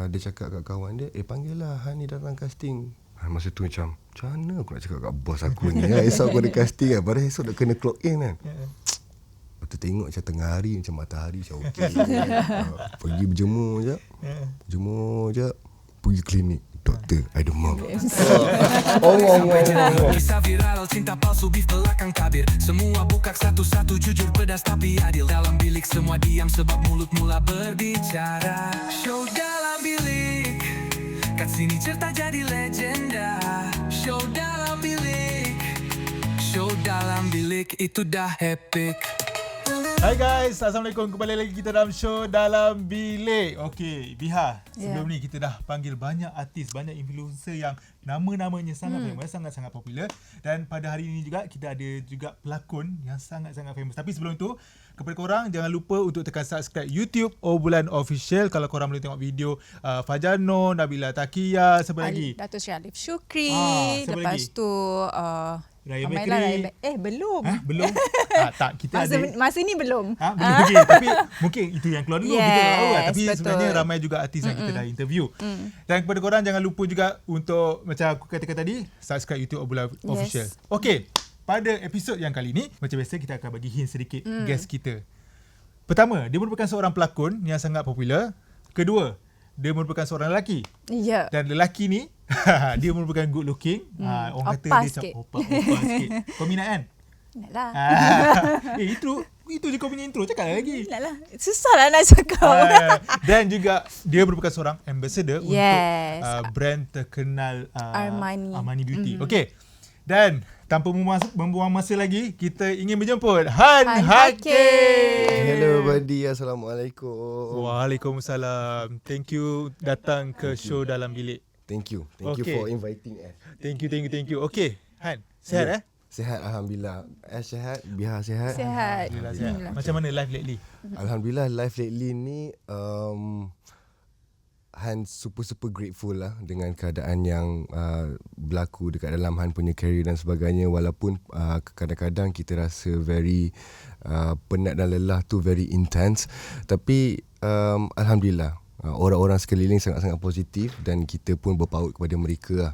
dia cakap kat kawan dia, panggil lah Han ni datang casting. Masa tu macam mana aku nak cakap kat bos aku ni esok aku ada casting kan. Padahal esok dah kena clock in kan. Lepas tu tengok macam tengah hari, macam matahari, macam okey. Pergi berjemur je, pergi klinik. Doktor, I demam. Kisah viral, cinta palsu, beef belakang tabir. Semua buka satu-satu, jujur pedas tapi adil. Dalam bilik semua diam sebab mulut mula berbicara. Show dalam bilik, kat sini cerita jadi legenda. Show dalam bilik, itu dah epic. Hai guys, Assalamualaikum. Kembali lagi kita dalam show Dalam Bilik. Okey, Biha, sebelum ni kita dah panggil banyak artis, banyak influencer yang nama-namanya sangat famous, sangat-sangat popular. Dan pada hari ini juga kita ada juga pelakon yang sangat-sangat famous. Tapi sebelum itu, kepada korang jangan lupa untuk tekan subscribe YouTube Obbulan Official. Kalau korang boleh tengok video Fajar Noh, Nabila Takia, siapa lagi? Dato' Sri Alif Syukri. Siapa Lepas lagi? tu Raya Amailah Bakery. belum. Belum? Tak, kita masa ni belum. Belum lagi. Tapi mungkin itu yang keluar dulu. Kita tak tahu lah. Tapi betul. sebenarnya ramai juga artis yang kita dah interview. Dan kepada korang jangan lupa juga untuk, macam aku katakan tadi, subscribe YouTube Obbulan Official. Okey, pada episod yang kali ni, macam biasa kita akan bagi hint sedikit guest kita. Pertama, dia merupakan seorang pelakon yang sangat popular. Kedua, dia merupakan seorang lelaki. Ya. Dan lelaki ni dia merupakan good looking. Orang kata Opas dia sikit. opas sikit. Kau minat kan? Nak lah. Itu je kau punya intro. Cakap lagi. Nak lah. Susah lah nak cakap. Dan juga dia merupakan seorang ambassador Yes. untuk brand terkenal Armani Beauty. Okey. Dan tanpa membuang masa lagi, kita ingin menjemput Han Hakim. Hello buddy, Assalamualaikum. Waalaikumsalam. Thank you datang ke show Dalam Bilik. Thank you for inviting us. Thank you. Okey, Han, sihat Sihat Alhamdulillah. Sihat, Biha sihat. Sihat. Alhamdulillah sihat. Macam mana life lately? Alhamdulillah life lately ni Han super grateful lah dengan keadaan yang berlaku dekat dalam Han punya career dan sebagainya. Walaupun kadang-kadang kita rasa very penat dan lelah tu very intense, tapi Alhamdulillah orang-orang sekeliling sangat-sangat positif dan kita pun berpaut kepada mereka lah.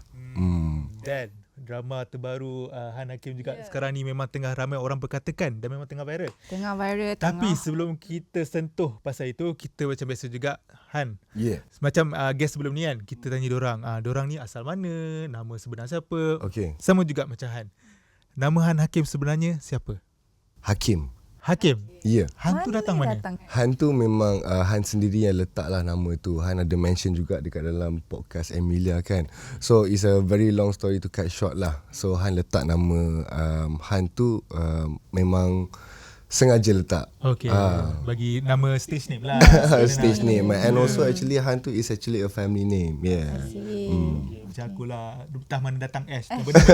Dan drama terbaru Han Hakim juga sekarang ni memang tengah ramai orang perkatakan dan memang tengah viral. Tapi sebelum kita sentuh pasal itu, kita macam biasa juga Han. Macam guest sebelum ni kan, kita tanya dorang ni asal mana, nama sebenar siapa. Okay. Sama juga macam Han. Nama Han Hakim sebenarnya siapa? Hakim. Ya. Han tu datang mana? Han tu memang Han sendiri yang letak lah nama tu. Han ada mention juga dekat dalam podcast Emilia kan. So it's a very long story to cut short lah. So Han letak nama Han tu memang sengaja letak. Okay. Bagi nama stage name lah. Stage name. And also actually Han tu is actually a family name. Yeah. Macam akulah, entah mana datang S.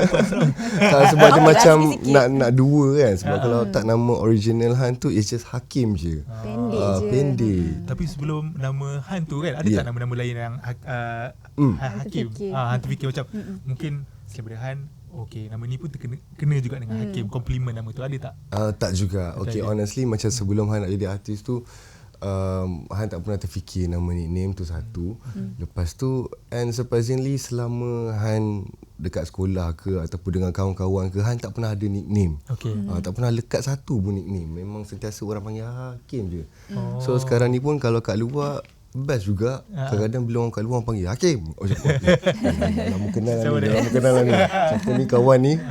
Sebab dia macam nak dua kan. Sebab kalau tak nama original Han tu, it's just Hakim je. Pendek. Tapi sebelum nama Han tu kan, ada tak nama-nama lain yang Hakim? Han terfikir macam mungkin selain daripada Han, okay, nama ni pun kena juga dengan Hakim. Compliment nama tu, ada tak? Tak juga. Okay, honestly macam sebelum Han nak jadi artis tu, Han tak pernah terfikir nama nickname tu satu. Lepas tu, and surprisingly selama Han dekat sekolah ke ataupun dengan kawan-kawan ke, Han tak pernah ada nickname. Tak pernah lekat satu pun nickname. Memang sentiasa orang panggil Hakim je. So sekarang ni pun kalau kat luar best juga. Kadang-kadang bila orang kat luar orang panggil Hakim. Lama kenal lah ni. Siapa ni kawan ni.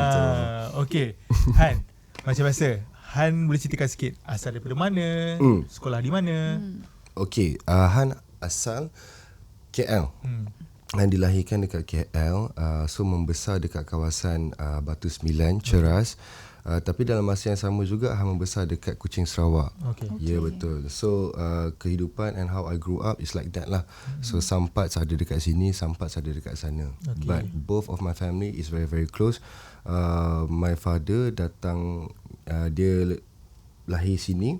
Okay, Han, macam biasa, Han boleh ceritakan sikit asal daripada mana, sekolah di mana? Okay, Han asal KL. Han dilahirkan dekat KL, so membesar dekat kawasan Batu Sembilan, Ceras. Tapi dalam masa yang sama juga Han membesar dekat Kuching, Sarawak. Ya, betul. So kehidupan and how I grew up is like that lah. So some parts ada dekat sini, some parts ada dekat sana. But both of my family is very close. My father datang, dia lahir sini,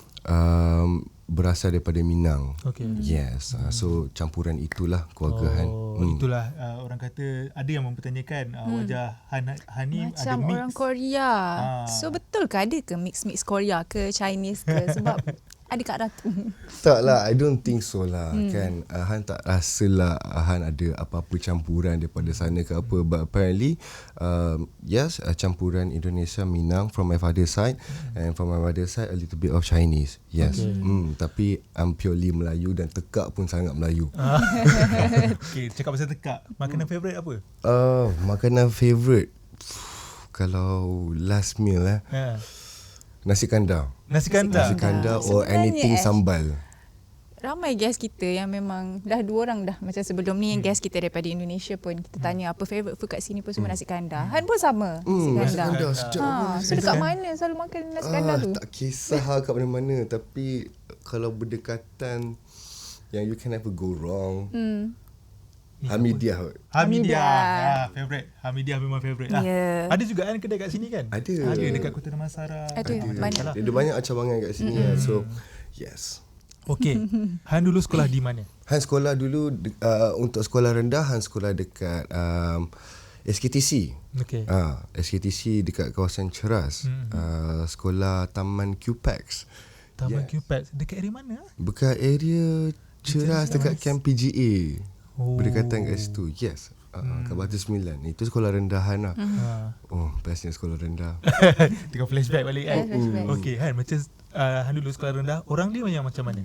berasal daripada Minang. Yes. So campuran itulah keluarga Han. Itulah orang kata, ada yang mempertanyakan wajah Han ni macam ada mix orang Korea. So betul ke ada ke mix Korea ke Chinese ke? Sebab Ada Kak Ratu. Tak lah, I don't think so lah kan. Han tak rasa lah Han ada apa-apa campuran daripada sana ke apa. But apparently yes, campuran Indonesia Minang from my father's side, and from my mother's side a little bit of Chinese. Yes. Tapi I'm purely Melayu dan tekak pun sangat Melayu. Okay, cakap pasal tekak. Makanan favourite apa? Makanan favourite kalau last meal nasi kandar. Nasi kandar. Nasi kandar or Sebenarnya, anything sambal. Ramai guest kita yang memang dah 2 orang dah. Macam sebelum ni guest kita daripada Indonesia pun kita tanya apa favourite food kat sini pun semua nasi kandar. Han pun sama nasi kandar. Sedap. So dekat mana selalu makan nasi kandar tu? Tak kisah kat mana-mana. Tapi kalau berdekatan yang you can never go wrong, Hamidiah. Favourite. Hamidiah memang favourite lah. Yeah. Ada juga kan kedai kat sini kan? Ada. Dekat Kota Damansara. Ada. Banyak. Dia ada banyak cabangan kat sini lah. So yes. Okay. Han dulu sekolah di mana? Han sekolah dulu untuk sekolah rendah, Han sekolah dekat SKTC. Okay. SKTC dekat kawasan Ceras. Sekolah Taman QPEX. Taman QPEX. Dekat area mana? Dekat area Ceras, dekat Camp PGA. Berdekatan kat situ. Yes. Kat Batu 9. Itu sekolah rendahan lah. Bestnya sekolah rendah. Tengah flashback balik kan? Flashback. Okay Han, macam Han dulu sekolah rendah, orang dia yang macam mana?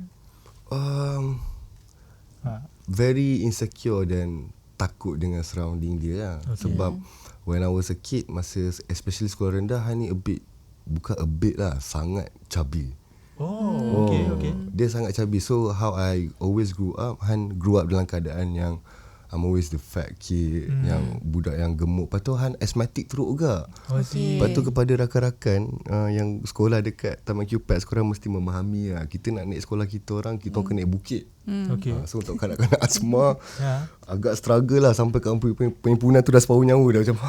Very insecure dan takut dengan surrounding dia lah. Sebab when I was a kid, masa especially sekolah rendah, Han ni bukan a bit lah, sangat chubby. Okay. Dia sangat chubby. So how I always grew up, Han grew up dalam keadaan yang I'm always the fat kid, yang budak yang gemuk. Lepas tu Han asthmatic teruk juga. Lepas tu kepada rakan-rakan yang sekolah dekat Taman QPEX, korang mesti memahami lah, kita nak naik sekolah kita orang kena naik bukit. Okay. So untuk kanak-kanak asma agak struggle lah, sampai kat penghimpunan tu dah separuh nyawa dah macam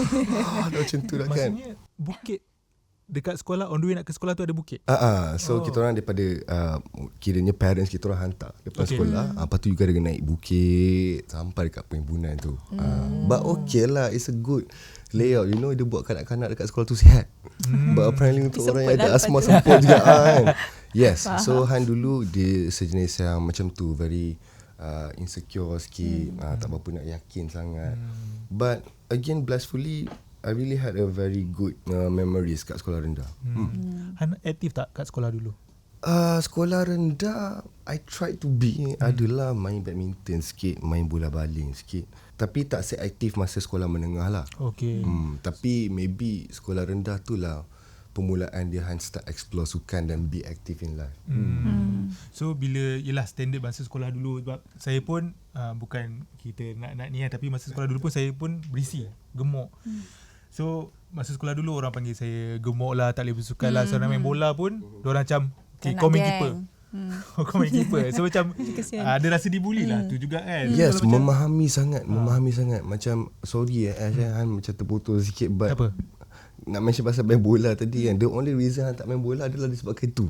dah macam tu dah kan. Maksudnya bukit dekat sekolah, on the way nak ke sekolah tu ada bukit? So kita orang daripada kiranya parents kita orang hantar depan sekolah. Lepas tu juga ada naik bukit sampai dekat penghimpunan tu. But okay lah, it's a good layout. You know, dia buat kanak-kanak dekat sekolah tu sihat. But apparently untuk orang yang ada asma semput juga kan. Yes. So Han dulu dia sejenis yang macam tu, very insecure sikit, tak berapa nak yakin sangat. But again, blissfully, I really had a very good memories kat sekolah rendah. Han aktif tak kat sekolah dulu? Sekolah rendah, I tried to be. Adalah main badminton sikit, main bola baling sikit. Tapi tak seaktif masa sekolah menengah lah. Okay. Tapi maybe sekolah rendah tu lah permulaan dia Han start explore sukan dan be active in life. So bila yelah standard masa sekolah dulu, sebab saya pun bukan kita nak ni tapi masa sekolah dulu pun saya pun berisi, gemuk. So masa sekolah dulu orang panggil saya gemuk lah, tak boleh bersukan lah. So nak main bola pun diorang macam kau main keeper. Kau main keeper. So macam ada rasa dibuli lah tu juga kan. Yes, so, memahami sangat. Macam sorry Han macam terputus sikit, but apa? Nak mention pasal main bola tadi kan, the only reason Han tak main bola adalah disebabkan itu.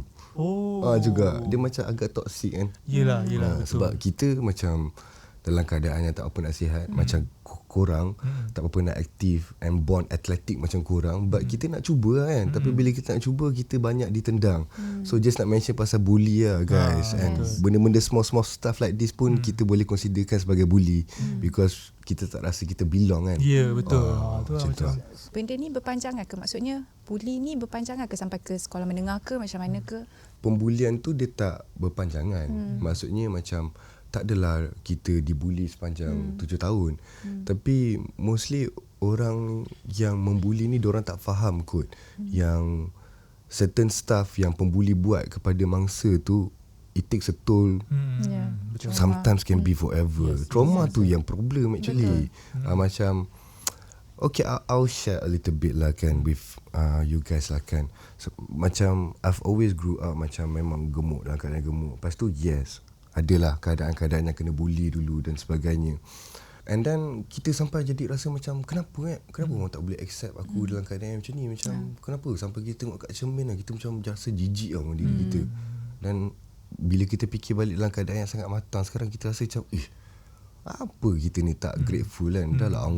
Juga dia macam agak toxic kan. Yelah. Sebab kita macam dalam keadaan yang tak apa nak sihat, macam korang tak apa nak aktif and born athletic macam korang, but kita nak cuba kan. Tapi bila kita nak cuba, kita banyak ditendang. So just nak mention pasal bully lah guys. And benda-benda small stuff like this pun kita boleh considerkan sebagai bully, because kita tak rasa kita belong kan. Ya, betul. Tu macam tu lah. Benda ni berpanjangan ke? Maksudnya bully ni berpanjangan ke sampai ke sekolah menengah ke, macam mana ke? Pembulian tu dia tak berpanjangan. Maksudnya macam tak adalah kita dibuli sepanjang 7 tahun. Tapi mostly orang yang membuli ni diorang tak faham kot yang certain stuff yang pembuli buat kepada mangsa tu, it takes a toll. Sometimes can be forever. Trauma tu yang problem actually. Macam okay, I'll share a little bit lah kan with you guys lah kan. So, macam I've always grew up macam memang gemuk, dalam keadaan gemuk. Lepas tu yes, adalah keadaan-keadaan yang kena bully dulu dan sebagainya. And then kita sampai jadi rasa macam kenapa orang tak boleh accept aku dalam keadaan yang macam ni. Macam kenapa sampai kita tengok kat cermin lah, kita macam rasa jijik dengan diri kita. Dan bila kita fikir balik dalam keadaan yang sangat matang, sekarang kita rasa macam apa kita ni tak grateful kan. Dah lah Allah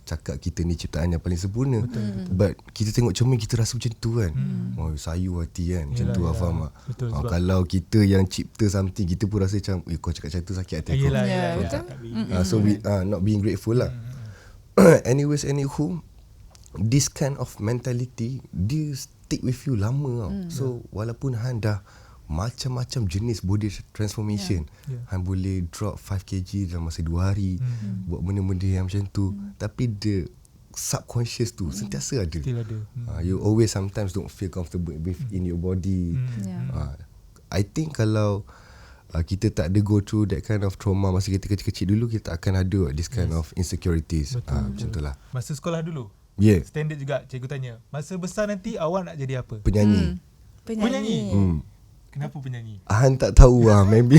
cakap kita ni ciptaan yang paling sempurna. But kita tengok cermin, kita rasa macam tu kan. Oh, sayu hati kan. Macam tu, faham tak? Betul, sebab Kalau kita yang cipta something, kita pun rasa macam, kau cakap macam tu sakit hati aku. betul. So we not being grateful lah. Anyways, anywho, this kind of mentality dia stick with you lama tau. So walaupun Han dah macam-macam jenis body transformation, Han boleh drop 5 kg dalam masa 2 hari, buat benda-benda yang macam tu, tapi the subconscious tu sentiasa ada. Still ada. You always sometimes don't feel comfortable in your body. I think kalau kita tak ada go through that kind of trauma masa kita kecil-kecil dulu, kita akan ada this kind of insecurities. Macam tu lah. Masa sekolah dulu, standard juga cikgu tanya, masa besar nanti awak nak jadi apa? Penyanyi. Penyanyi. Kenapa penyanyi? Han tak tahu lah, maybe.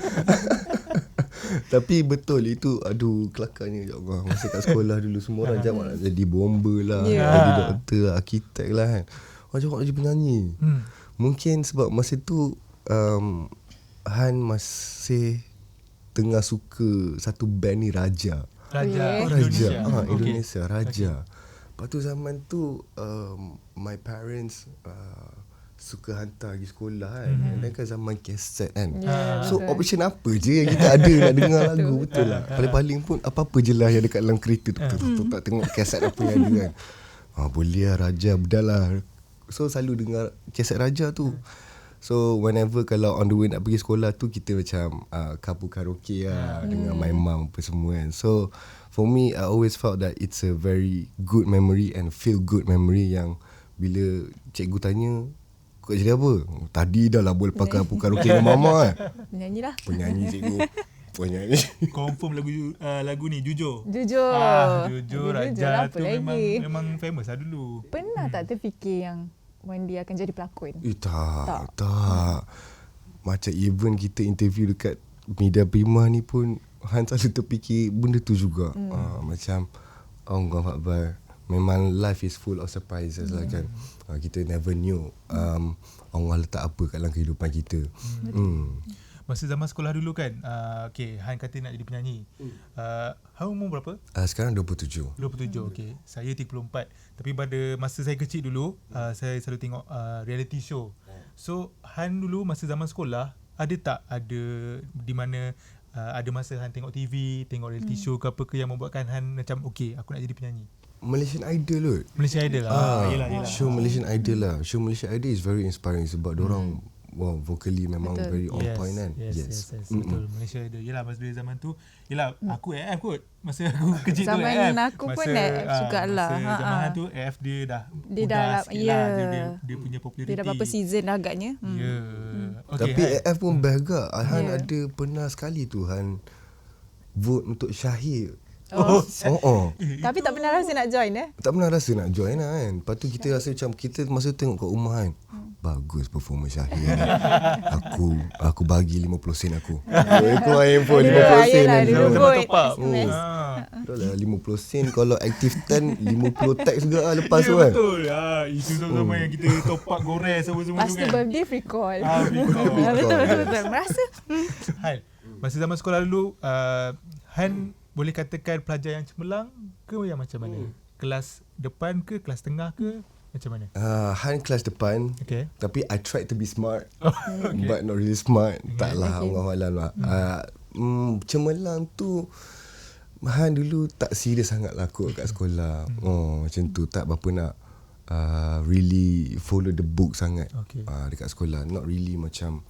Tapi betul itu, aduh kelakarnya, ya Allah. Masa kat sekolah dulu semua orang jawab nak jadi bomber lah, jadi doktor lah, arkitek lah kan. Orang jawab nak jadi penyanyi. Mungkin sebab masa tu Han masih tengah suka satu band ni, Raja. Indonesia. Indonesia, Raja. Lepas tu zaman tu my parents suka hantar pergi sekolah kan. Dan kan zaman kaset kan. So option apa je yang kita ada nak dengar lagu, betul lah. Paling-paling pun apa-apa je lah yang dekat dalam kereta tu. Tak tengok kaset apa yang ada kan. Boleh lah Raja, bedah lah. So selalu dengar kaset Raja tu. So whenever kalau on the way nak pergi sekolah tu, kita macam kapu karaoke lah dengan my mum apa semua kan. So for me, I always felt that it's a very good memory and feel good memory yang bila cikgu tanya, kau jadi apa? Tadi dah lah boleh pakai kapu karaoke dengan mama kan. Penyanyi lah. Penyanyi cikgu. Penyanyi. Confirm lagu ni Jujur. Jujur. Jujur Lah, Raja apa tu lagi? memang famous lah dulu. Pernah tak terfikir yang one day akan jadi pelakon? Tak. Macam even kita interview dekat Media Prima ni pun, Han selalu terfikir benda tu juga. Macam Allah Akbar, memang life is full of surprises lah kan. Kita never knew Allah letak apa kat dalam kehidupan kita. Masa zaman sekolah dulu kan, Han kata nak jadi penyanyi. Han umur berapa? Sekarang 27. 27, okey. Saya 34. Tapi pada masa saya kecil dulu, saya selalu tengok reality show. So, Han dulu masa zaman sekolah, ada di mana ada masa Han tengok TV, tengok reality show ke apa ke yang membuatkan Han macam, okey, aku nak jadi penyanyi? Malaysian Idol kot. Malaysia Idol lah. Yelah. Show Malaysian Idol lah. Show Malaysian Idol is very inspiring sebab dorang vocally memang very on point kan. Yes. Betul. Malaysia Idol. Yelah masa zaman tu, yelah aku AF kot. Masa aku kecil tu AF. Zaman aku pun AF jugalah. Masa zaman tu AF dia dah dia punya populariti. Dia dah berapa season dah agaknya. Tapi AF pun best agak. Han ada pernah sekali tu Han vote untuk Syahir. Tapi tak pernah rasa nak join Tak pernah rasa nak join lah kan. Lepas tu kita rasa macam, kita masa tengok kat rumah kan, bagus performance Syahir ni. Aku bagi 50 sen aku. Keluar handphone 50 sen kan. Betul lah 50 sen. Kalau active 10 50 tax juga lah lepas tu kan. Betul. Itu sama yang kita top up goreng semua-semua tu kan. Pasti birthday free call. Betul. Merasa Han, masa zaman sekolah dulu, Han boleh katakan pelajar yang cemerlang ke yang macam mana? Kelas depan ke, kelas tengah ke, macam mana? Han kelas depan. Okay. Tapi I tried to be smart. But not really smart. Tak lah, Allah-Allah lah. Cemerlang tu, Han dulu tak serius sangat lah kot kat sekolah. Macam tu, tak berapa nak really follow the book sangat dekat sekolah. Not really macam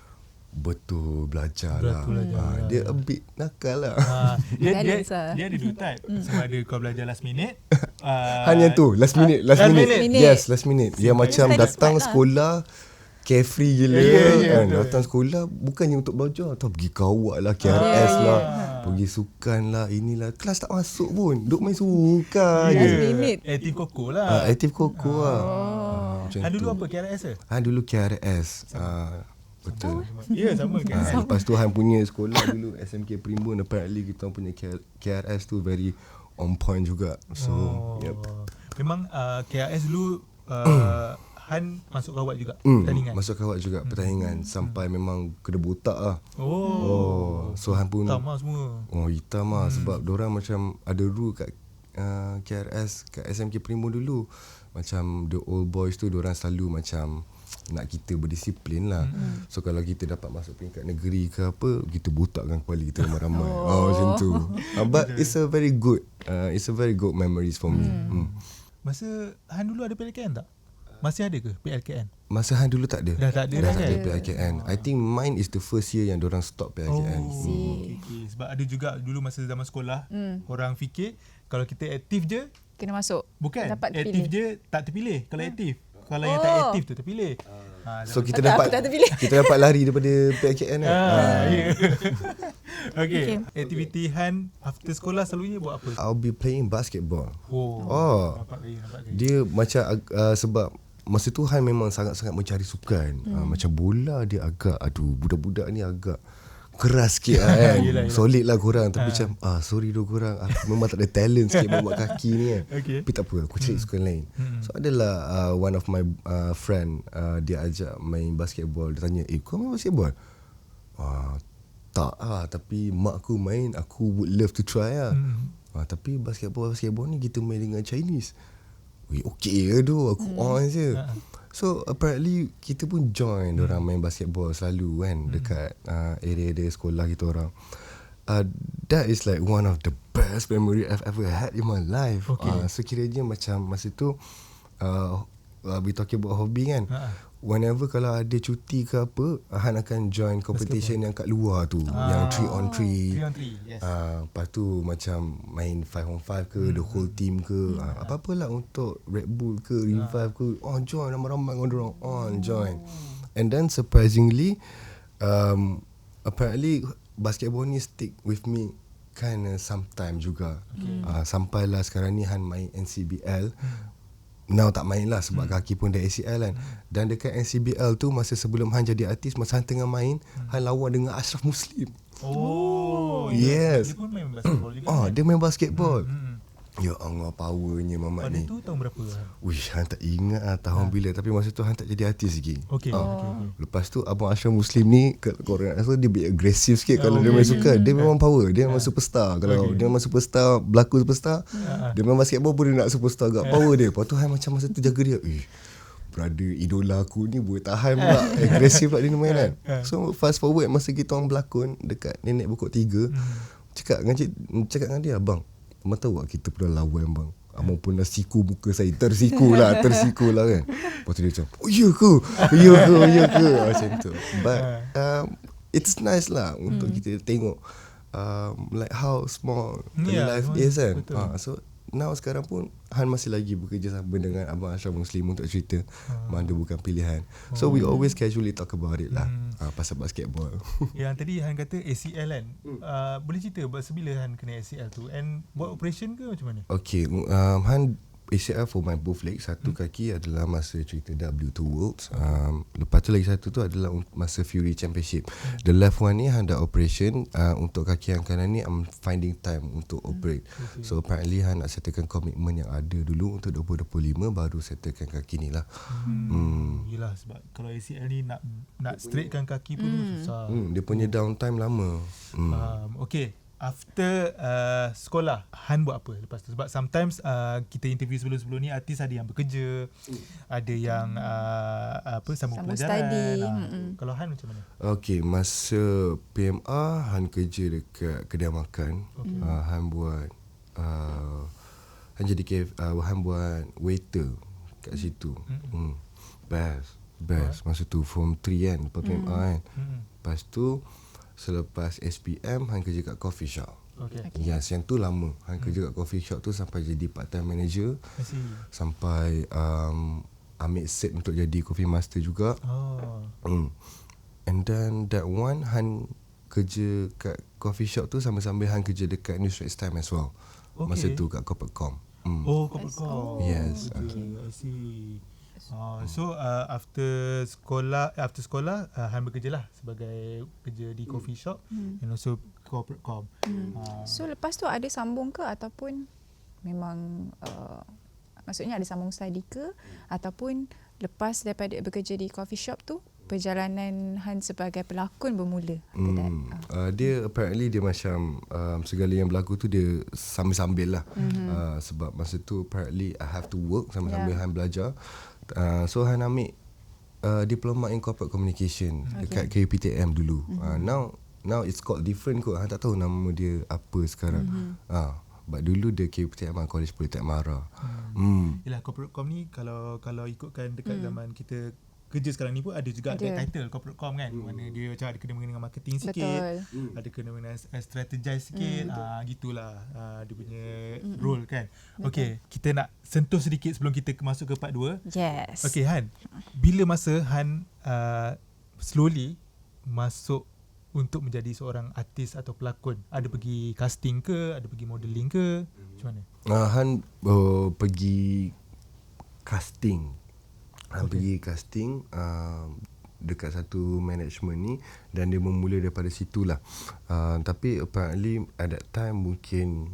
betul belajar lah. Dia a bit nakal lah. Dia ada dua type. Sama ada kau belajar last minute. Hanya tu last minute. Yes, last minute. Dia macam datang sekolah carefree gila kan. Datang sekolah bukannya untuk belajar, atau pergi kawat lah, KRS lah, pergi sukan lah, inilah. Kelas tak masuk pun, duk main sukan je. Aktif koko lah. Aktif koko lah. Han dulu apa, KRS ke? Han dulu KRS. Betul. Ya, sama kan. Lepas tu Han punya sekolah dulu SMK Primbon, apparently kita punya KRS tu very on point juga. So memang KRS dulu Han masuk kawat juga pertandingan. Masuk kawat juga pertandingan sampai memang kena botak lah. So Han pun hitam lah semua. hitam lah sebab dorang macam ada rule kat KRS kat SMK Primo dulu. Macam the old boys tu diorang selalu macam nak kita berdisiplin lah. So kalau kita dapat masuk peringkat negeri ke apa, kita botakkan kepala kita ramai-ramai. Macam tu. But it's a very good memories for me. Masa Han dulu ada PLKN tak? Masih ada ke PLKN? Masa Han dulu tak ada. Dah tak ada Dah dah tak kan? ada PLKN. I think mine is the first year yang diorang stop PLKN. Okay. Sebab ada juga dulu masa zaman sekolah, orang fikir kalau kita aktif je, Kena masuk. bukan Dapat aktif terpilih. je tak terpilih. Kalau aktif, kalau yang tak aktif tu terpilih. So kita Tak, dapat aku tak terpilih. kita dapat lari daripada PLKN kan. Okay. Okay. Aktiviti Han after sekolah selalunya buat apa? I'll be playing basketball. Nampak gaya. Dia macam sebab masa tu Han memang sangat-sangat mencari sukan. Macam bola dia agak budak-budak ni agak keras sikit lah kan. Yelah. Solid lah korang. Tapi macam sorry doh korang, aku memang tak ada talent sikit buat kaki ni kan. Okay. Tapi tak apa, aku cari sukan lain. So adalah one of my friend, dia ajak main basketball. Dia tanya, kau main basketball? Tak lah, tapi mak aku main, aku would love to try lah. Tapi basketball ni kita main dengan Chinese. Okay ke tu, aku on je. So apparently kita pun join orang main basketball selalu kan dekat area-area sekolah kita orang. That is like one of the best memory I've ever had in my life. So kiranya macam masa tu we talking about hobby kan. Whenever kalau ada cuti ke apa, Han akan join competition yang kat luar tu, yang 3 on 3. 3 on 3, yes. Lepas tu macam main 5 on 5 ke, the whole team ke, apa-apalah untuk Red Bull ke, Revive ke, join ramai-ramai dengan orang, join. And then surprisingly, apparently basketball ni stick with me kind of sometime juga. Sampailah sekarang ni Han main NCBL. Now tak main lah sebab kaki pun dah ACL kan. Dan dekat NCBL tu, masa sebelum Han jadi artis, masa Han tengah main, Han lawan dengan Ashraf Muslim. Yes. Dia pun main basketball juga. Dia main basketball. Ya Allah, powernya Mamat Pada ni. tu tahun berapa? Han tak ingat lah tahun bila. Tapi masa tu Han tak jadi artis lagi. Okay. Lepas tu Abang Ashraf Muslim ni, korang rasa dia bit agresif sikit kalau dia main sukan. Dia memang power. Dia memang superstar. Kalau dia memang superstar, berlaku superstar, dia main basketball pun dia nak superstar agak. Power dia. Lepas tu Han macam masa tu jaga dia. Brother idola aku ni boleh tahan pula. Agresif pula dia main kan. So fast forward masa kita orang berlakon dekat Nenek Pokok 3, cakap dengan dia, abang, abang tahu tak kita pernah lawan bang. Abang pernah siku muka saya. Tersiku lah kan. Lepas tu dia macam, ya ke? Macam tu. But it's nice lah untuk kita tengok like how small the life is kan. So now sekarang pun Han masih lagi bekerja sama dengan Abang Ashraf Muslim untuk cerita Manda Bukan Pilihan. So we always casually talk about it lah, pasal basketball. Yang tadi Han kata ACL kan. Boleh cerita sebila Han kena ACL tu, and buat operation ke macam mana? Okay, Han ACL for my both legs. Satu kaki adalah masa cerita W2 Worlds. Lepas tu lagi satu tu adalah masa Fury Championship. The left one ni Han dah operation. Untuk kaki yang kanan ni I'm finding time untuk operate. So apparently Han nak settlekan komitmen yang ada dulu untuk 2025, baru settlekan kaki ni lah. Yelah, sebab kalau ACL ni nak straightkan kaki pun susah. Dia punya downtime lama. Okay. After sekolah, Han buat apa lepas tu? Sebab sometimes kita interview sebelum-sebelum ni, artis ada yang bekerja, ada yang sambung pelajaran. study. Kalau Han macam mana? Okay, masa PMA Han kerja dekat kedai makan. Han buat Han jadi Han buat waiter kat situ. Best masa tu form 3 kan, lepas PMA kan. Lepas tu selepas SPM Han kerja kat coffee shop. Yes, yang tu lama. Han kerja kat coffee shop tu sampai jadi part time manager. Sampai ambil set untuk jadi coffee master juga. And then that one Han kerja kat coffee shop tu sambil-sambil Han kerja dekat New Straits Times as well. Masa tu kat Corporate.com. Corporate.com. Yes. Okay, I see. So after sekolah Han bekerja lah sebagai kerja di coffee shop and also Corporate.com. So lepas tu ada sambung ke, ataupun memang maksudnya ada sambung study ke, ataupun lepas daripada bekerja di coffee shop tu perjalanan Han sebagai pelakon bermula? Dia apparently dia macam segala yang berlaku tu dia sambil-sambil lah. Sebab masa tu apparently I have to work sambil-sambil Han belajar. So Han ambil diploma in corporate communication dekat KUPTM dulu. Now it's called different kot. Han tak tahu nama dia apa sekarang. But dulu dia KUPTM College Politek Mara. Yelah, corporate com ni kalau ikutkan dekat zaman kita kerja sekarang ni pun ada juga ada title corporate com kan. Mana dia macam ada kena mengena dengan marketing sikit. Ada kena mengena strategize sikit. Gitulah dia punya role kan. Okay, kita nak sentuh sedikit sebelum kita masuk ke part 2. Yes. Okay Han, bila masa Han slowly masuk untuk menjadi seorang artis atau pelakon? Ada pergi casting ke? Ada pergi modelling ke? Macam mana? Han pergi casting. Han pergi casting dekat satu management ni dan dia memula daripada situlah. Tapi apparently at that time mungkin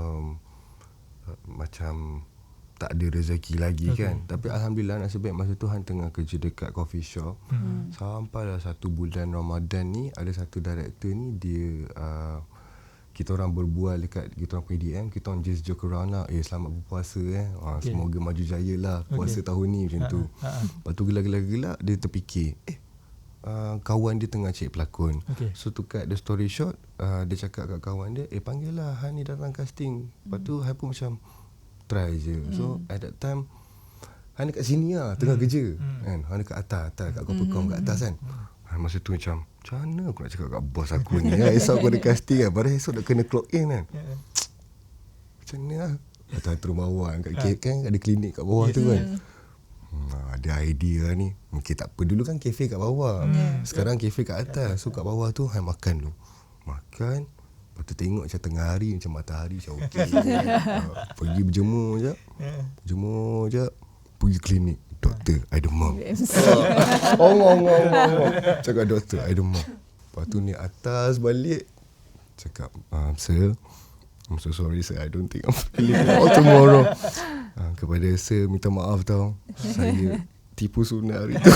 macam tak ada rezeki lagi kan. Tapi alhamdulillah nasib baik masa tu Han tengah kerja dekat coffee shop. Sampailah 1 bulan Ramadan ni ada satu director ni dia kita orang berbual dekat kita orang punya DM, kita orang just joke around lah, selamat berpuasa semoga maju jaya lah puasa tahun ni macam tu. Lepas tu gelak-gelak dia terfikir kawan dia tengah cari pelakon. So to cut the story short, dia cakap kat kawan dia, panggil lah Han ni datang casting. Lepas tu Han pun macam try je. So at that time Han dekat sini lah tengah kerja kan. Han dekat atas kat Kopecom kat atas kan. Masa tu macam mana aku nak cakap kat bos aku ni esok aku ada casting kan. Padahal esok dah kena clock in kan. Macam ni lah. Atas turun bawah kat kan ada klinik kat bawah tu kan. Ada idea ni. Mungkin tak apa. Dulu kan kafe kat bawah. Sekarang kafe kat atas. So kat bawah tu Han makan dulu. Makan. Lepas tu tengok macam tengah hari macam matahari macam okey. Pergi berjemur je. Jemur je. Pergi klinik. Doktor, I demam. Cakap doktor, I demam. Lepas tu ni atas balik. Cakap, sir, I'm so sorry sir, I don't think I'm feeling well tomorrow. Kepada sir, minta maaf tau. Saya tipu sunat hari tu.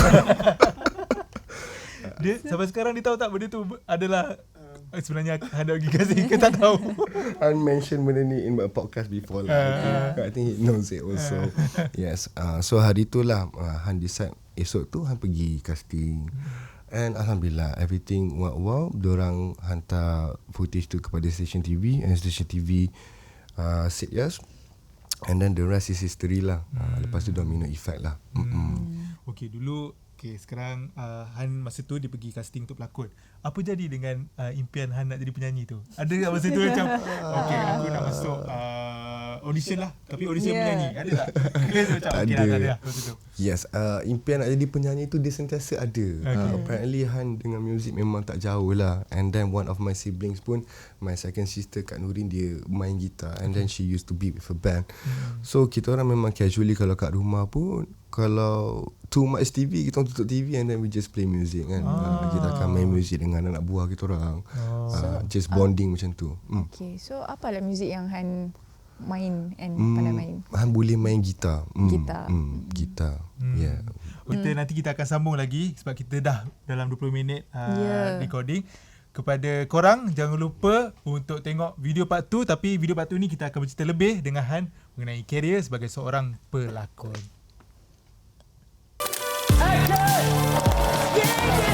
Dia sampai sekarang dia tahu tak benda tu adalah sebenarnya Han dah pergi casting ke tak tahu? Han mention benda ni in my podcast before lah. I think he knows it also. Yes. So hari tu lah Han decide esok tu Han pergi casting. And alhamdulillah everything went well. Diorang hantar footage tu kepada station TV and station TV said yes. And then the rest is history lah. Lepas tu domino effect lah. Okay, dulu sekarang Han masa tu dia pergi casting untuk pelakon. Apa jadi dengan impian Han nak jadi penyanyi tu? Ada tak masa tu macam okay, aku nak masuk audition lah, tapi audition penyanyi ada tak? Macam okay lah, tak ada lah masa tu. Yes, impian nak jadi penyanyi tu dia sentiasa ada. Apparently Han dengan muzik memang tak jauh lah. And then one of my siblings pun, my second sister Kak Nurin, dia main gitar. And then she used to be with a band. So kita orang memang casually kalau kat rumah pun, kalau too much TV, kita tutup TV and then we just play music kan. Kita akan main music dengan anak buah kita orang. Just bonding macam tu. Okay, so apa lah muzik yang Han main and pandai main? Han boleh main gitar. Gitar. Gitar. Yeah. Nanti kita akan sambung lagi sebab kita dah dalam 20 minit recording. Kepada korang, jangan lupa untuk tengok video part 2. Tapi video part 2 ni kita akan bercerita lebih dengan Han mengenai career sebagai seorang pelakon. Yeah, yeah.